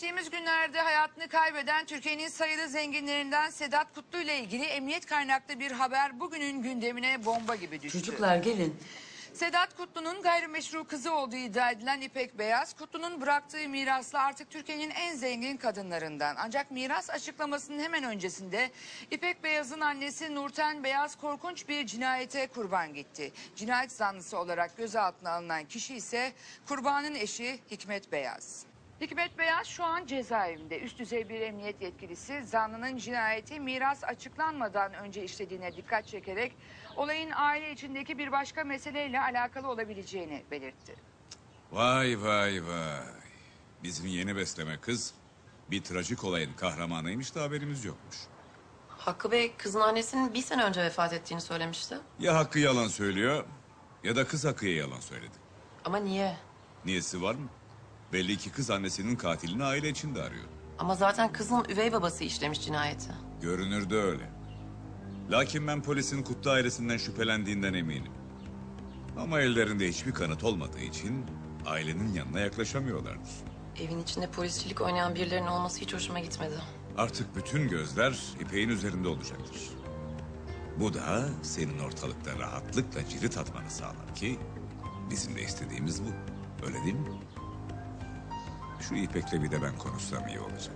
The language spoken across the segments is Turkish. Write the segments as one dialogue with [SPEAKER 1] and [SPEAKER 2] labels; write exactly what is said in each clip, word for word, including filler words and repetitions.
[SPEAKER 1] Geçtiğimiz günlerde hayatını kaybeden Türkiye'nin sayılı zenginlerinden Sedat Kutlu ile ilgili emniyet kaynaklı bir haber bugünün gündemine bomba gibi düştü.
[SPEAKER 2] Çocuklar gelin.
[SPEAKER 1] Sedat Kutlu'nun gayrimeşru kızı olduğu iddia edilen İpek Beyaz, Kutlu'nun bıraktığı mirasla artık Türkiye'nin en zengin kadınlarından. Ancak miras açıklamasının hemen öncesinde İpek Beyaz'ın annesi Nurten Beyaz korkunç bir cinayete kurban gitti. Cinayet zanlısı olarak gözaltına alınan kişi ise kurbanın eşi Hikmet Beyaz. Hikmet Beyaz şu an cezaevinde. Üst düzey bir emniyet yetkilisi zanlının cinayeti miras açıklanmadan önce işlediğine dikkat çekerek olayın aile içindeki bir başka meseleyle alakalı olabileceğini belirtti.
[SPEAKER 3] Vay vay vay. Bizim yeni besleme kız bir trajik olayın kahramanıymış da haberimiz yokmuş.
[SPEAKER 2] Hakkı Bey kızın annesinin bir sene önce vefat ettiğini söylemişti.
[SPEAKER 3] Ya Hakkı yalan söylüyor ya da kız Hakkı'ya yalan söyledi.
[SPEAKER 2] Ama niye?
[SPEAKER 3] Niyesi var mı? Belli ki kız annesinin katilini aile içinde arıyor.
[SPEAKER 2] Ama zaten kızın üvey babası işlemiş cinayeti.
[SPEAKER 3] Görünürde öyle. Lakin ben polisin Kutlu ailesinden şüphelendiğinden eminim. Ama ellerinde hiçbir kanıt olmadığı için ailenin yanına yaklaşamıyorlardır.
[SPEAKER 2] Evin içinde polisçilik oynayan birilerinin olması hiç hoşuma gitmedi.
[SPEAKER 3] Artık bütün gözler İpek'in üzerinde olacaktır. Bu da senin ortalıkta rahatlıkla cirit atmanı sağlar ki bizim de istediğimiz bu. Öyle değil mi? Şu İpek'le bir de ben konuşsam iyi olacak.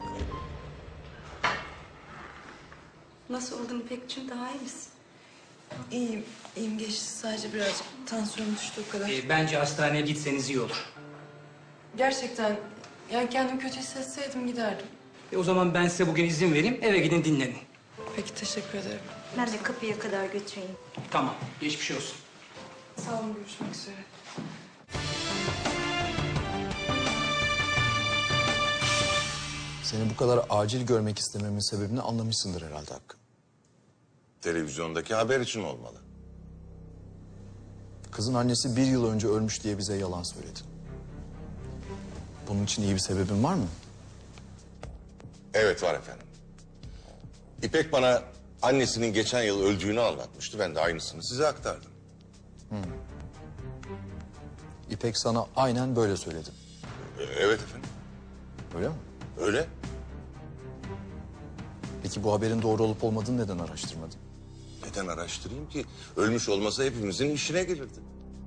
[SPEAKER 4] Nasıl oldun İpek'ciğim, daha iyi misin?
[SPEAKER 5] İyiyim, iyiyim. Geçti. Sadece birazcık tansiyonum düştü o kadar.
[SPEAKER 6] E, bence hastaneye gitseniz iyi olur.
[SPEAKER 5] Gerçekten, yani kendimi kötü hissetseydim giderdim.
[SPEAKER 6] E, o zaman ben size bugün izin vereyim, eve gidin dinlenin.
[SPEAKER 5] Peki, teşekkür ederim.
[SPEAKER 4] Ben de kapıya kadar götüreyim.
[SPEAKER 6] Tamam, geçmiş olsun.
[SPEAKER 5] Sağ olun, görüşmek üzere.
[SPEAKER 7] Seni bu kadar acil görmek istememin sebebini anlamışsındır herhalde Hakkı.
[SPEAKER 8] Televizyondaki haber için olmalı.
[SPEAKER 7] Kızın annesi bir yıl önce ölmüş diye bize yalan söyledi. Bunun için iyi bir sebebin var mı?
[SPEAKER 8] Evet var efendim. İpek bana annesinin geçen yıl öldüğünü anlatmıştı. Ben de aynısını size aktardım.
[SPEAKER 7] İpek sana aynen böyle söyledi.
[SPEAKER 8] E, Evet efendim.
[SPEAKER 7] Öyle mi?
[SPEAKER 8] Öyle.
[SPEAKER 7] Peki bu haberin doğru olup olmadığını neden araştırmadın?
[SPEAKER 8] Neden araştırayım ki? Ölmüş olmasa hepimizin işine gelirdi.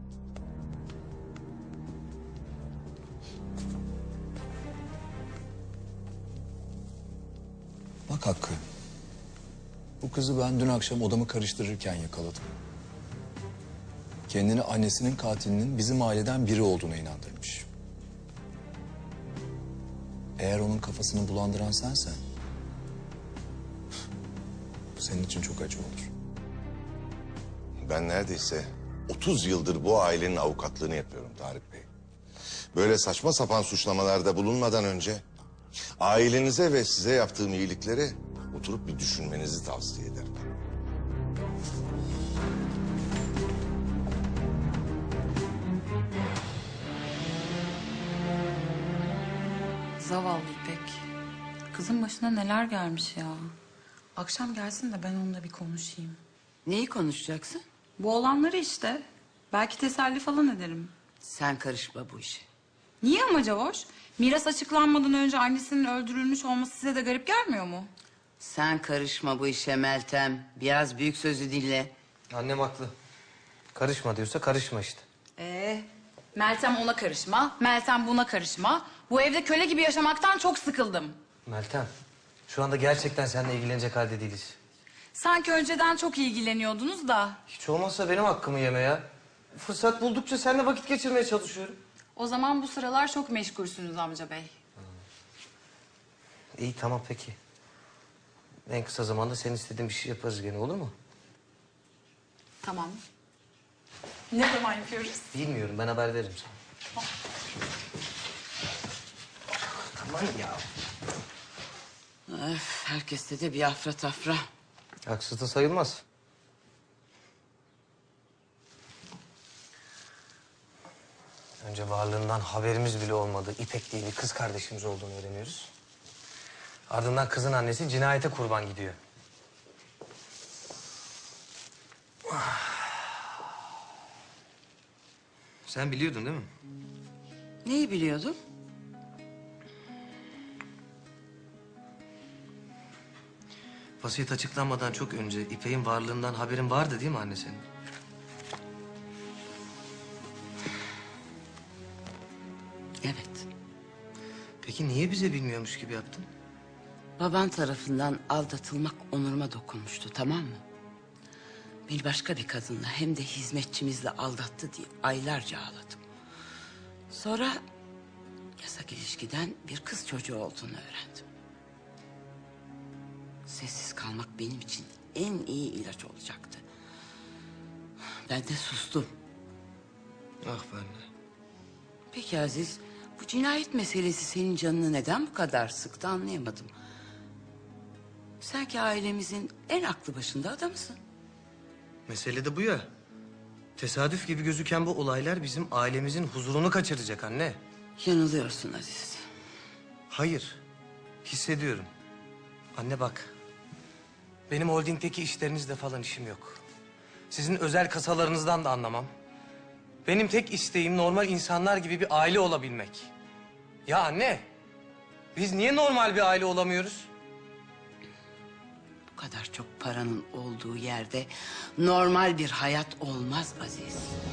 [SPEAKER 7] Bak Hakkı. Bu kızı ben dün akşam odamı karıştırırken yakaladım. Kendini annesinin katilinin bizim aileden biri olduğuna inandırmış. Eğer onun kafasını bulandıran sensen... bu senin için çok acı olur.
[SPEAKER 8] Ben neredeyse otuz yıldır bu ailenin avukatlığını yapıyorum Tarık Bey. Böyle saçma sapan suçlamalarda bulunmadan önce... ailenize ve size yaptığım iyilikleri oturup bir düşünmenizi tavsiye ederim.
[SPEAKER 9] Zavallı İpek. Kızın başına neler gelmiş ya. Akşam gelsin de ben onunla bir konuşayım.
[SPEAKER 2] Neyi konuşacaksın?
[SPEAKER 9] Bu olanları işte. Belki teselli falan ederim.
[SPEAKER 2] Sen karışma bu işe.
[SPEAKER 9] Niye ama Cavoş? Miras açıklanmadan önce annesinin öldürülmüş olması size de garip gelmiyor mu?
[SPEAKER 2] Sen karışma bu işe Meltem. Biraz büyük sözü dinle.
[SPEAKER 10] Annem haklı. Karışma diyorsa karışma işte.
[SPEAKER 9] Ee, Meltem ona karışma, Meltem buna karışma. Bu evde köle gibi yaşamaktan çok sıkıldım.
[SPEAKER 10] Meltem, şu anda gerçekten seninle ilgilenecek halde değiliz.
[SPEAKER 9] Sanki önceden çok ilgileniyordunuz da.
[SPEAKER 10] Hiç olmazsa benim hakkımı yeme ya. Fırsat buldukça seninle vakit geçirmeye çalışıyorum.
[SPEAKER 9] O zaman bu sıralar çok meşgulsünüz amca bey.
[SPEAKER 10] İyi tamam peki. En kısa zamanda senin istediğin bir şey yaparız gene, olur mu?
[SPEAKER 9] Tamam. Ne zaman yapıyoruz?
[SPEAKER 10] Bilmiyorum, ben haber veririm sana. Tamam ya.
[SPEAKER 2] Öf, herkeste de bir afra tafra.
[SPEAKER 10] Haksız da sayılmaz. Önce varlığından haberimiz bile olmadığı İpek diye bir kız kardeşimiz olduğunu öğreniyoruz. Ardından kızın annesi cinayete kurban gidiyor. Sen biliyordun değil mi?
[SPEAKER 2] Neyi biliyordun?
[SPEAKER 10] Vasiyet açıklanmadan çok önce İpek'in varlığından haberin vardı değil mi anne senin?
[SPEAKER 2] Evet.
[SPEAKER 10] Peki niye bize bilmiyormuş gibi yaptın?
[SPEAKER 2] Baban tarafından aldatılmak onuruma dokunmuştu, tamam mı? Beni başka bir kadınla hem de hizmetçimizle aldattı diye aylarca ağladım. Sonra yasak ilişkiden bir kız çocuğu olduğunu öğrendim. Sessiz kalmak benim için en iyi ilaç olacaktı. Ben de sustum.
[SPEAKER 10] Ah be anne.
[SPEAKER 2] Peki Aziz, bu cinayet meselesi senin canını neden bu kadar sıktı anlayamadım. Sen ki ailemizin en aklı başında adamısın.
[SPEAKER 10] Mesele de bu ya. Tesadüf gibi gözüken bu olaylar bizim ailemizin huzurunu kaçıracak anne.
[SPEAKER 2] Yanılıyorsun Aziz.
[SPEAKER 10] Hayır. Hissediyorum. Anne bak. Benim holdingdeki işlerinizle falan işim yok. Sizin özel kasalarınızdan da anlamam. Benim tek isteğim normal insanlar gibi bir aile olabilmek. Ya anne, biz niye normal bir aile olamıyoruz?
[SPEAKER 2] Bu kadar çok paranın olduğu yerde normal bir hayat olmaz Aziz.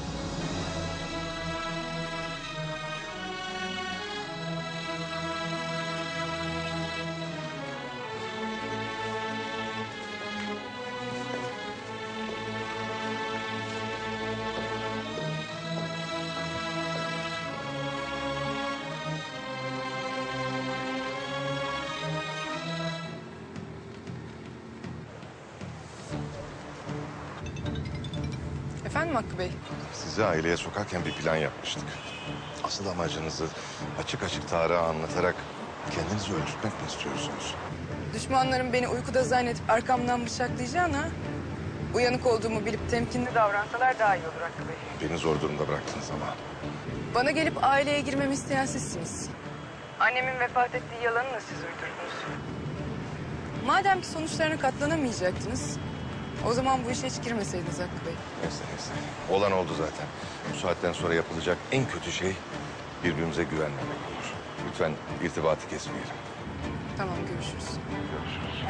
[SPEAKER 5] Efendim Hakkı Bey?
[SPEAKER 8] Sizi aileye sokarken bir plan yapmıştık. Asıl amacınızı açık açık Tarık'a anlatarak kendinizi öldürtmek mi istiyorsunuz?
[SPEAKER 5] Düşmanlarım beni uykuda zannedip arkamdan bıçaklayacağına... ...uyanık olduğumu bilip temkinli davransalar daha iyi olur Hakkı Bey.
[SPEAKER 8] Beni zor durumda bıraktınız ama.
[SPEAKER 5] Bana gelip aileye girmemi isteyen sizsiniz. Annemin vefat ettiği yalanını da siz uydurdunuz. Madem ki sonuçlarına katlanamayacaktınız... ...o zaman bu işe hiç girmeseydiniz Hakkı Bey.
[SPEAKER 8] Neyse neyse. Olan oldu zaten. Bu saatten sonra yapılacak en kötü şey birbirimize güvenmemek olur. Lütfen irtibatı kesmeyelim.
[SPEAKER 5] Tamam, görüşürüz.
[SPEAKER 8] Görüşürüz.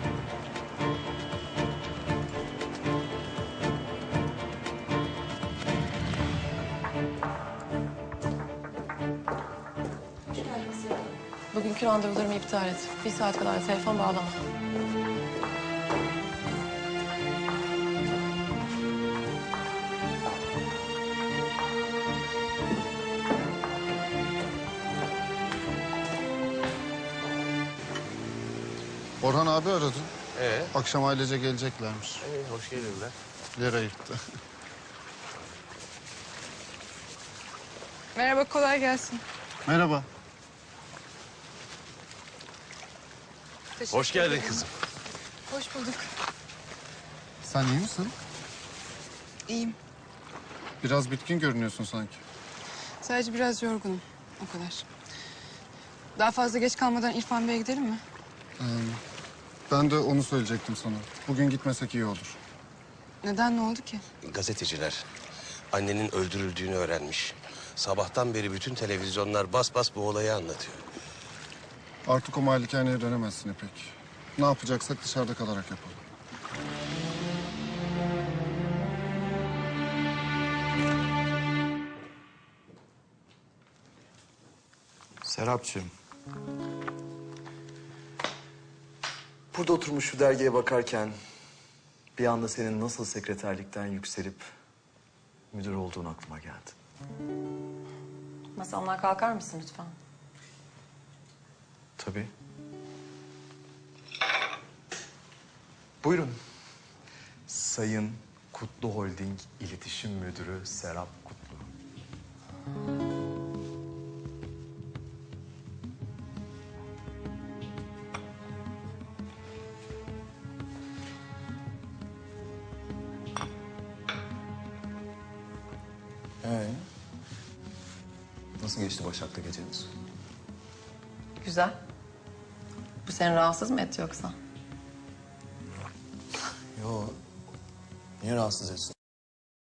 [SPEAKER 11] Bugünkü randevularımı iptal et. Bir saat kadar telefon bağlama.
[SPEAKER 12] Orhan abi aradı.
[SPEAKER 10] Ee?
[SPEAKER 12] Akşam ailece geleceklermiş.
[SPEAKER 10] Ee, hoş gelirler.
[SPEAKER 12] Yer ayırttı.
[SPEAKER 5] Merhaba, kolay gelsin.
[SPEAKER 12] Merhaba.
[SPEAKER 5] Hoş geldin
[SPEAKER 10] kızım.
[SPEAKER 5] Hoş bulduk.
[SPEAKER 12] Sen iyi misin?
[SPEAKER 5] İyiyim.
[SPEAKER 12] Biraz bitkin görünüyorsun sanki.
[SPEAKER 5] Sadece biraz yorgunum. O kadar. Daha fazla geç kalmadan İrfan Bey'e gidelim mi?
[SPEAKER 12] Ee, ben de onu söyleyecektim sana. Bugün gitmesek iyi olur.
[SPEAKER 5] Neden, ne oldu ki?
[SPEAKER 13] Gazeteciler annenin öldürüldüğünü öğrenmiş. Sabahtan beri bütün televizyonlar bas bas bu olayı anlatıyor.
[SPEAKER 12] Artık o malikaneye dönemezsin İpek. Ne yapacaksak dışarıda kalarak yapalım.
[SPEAKER 7] Serapcığım. Burada oturmuş şu dergiye bakarken... ...bir anda senin nasıl sekreterlikten yükselip... ...müdür olduğun aklıma geldi.
[SPEAKER 11] Masamdan kalkar mısın lütfen?
[SPEAKER 7] Tabii. Buyurun. Sayın Kutlu Holding İletişim Müdürü Serap Kutlu. Ee, nasıl geçti Başak'la geceniz?
[SPEAKER 11] Güzel. Bu seni rahatsız mı etti yoksa?
[SPEAKER 7] Yo, niye rahatsız etsin?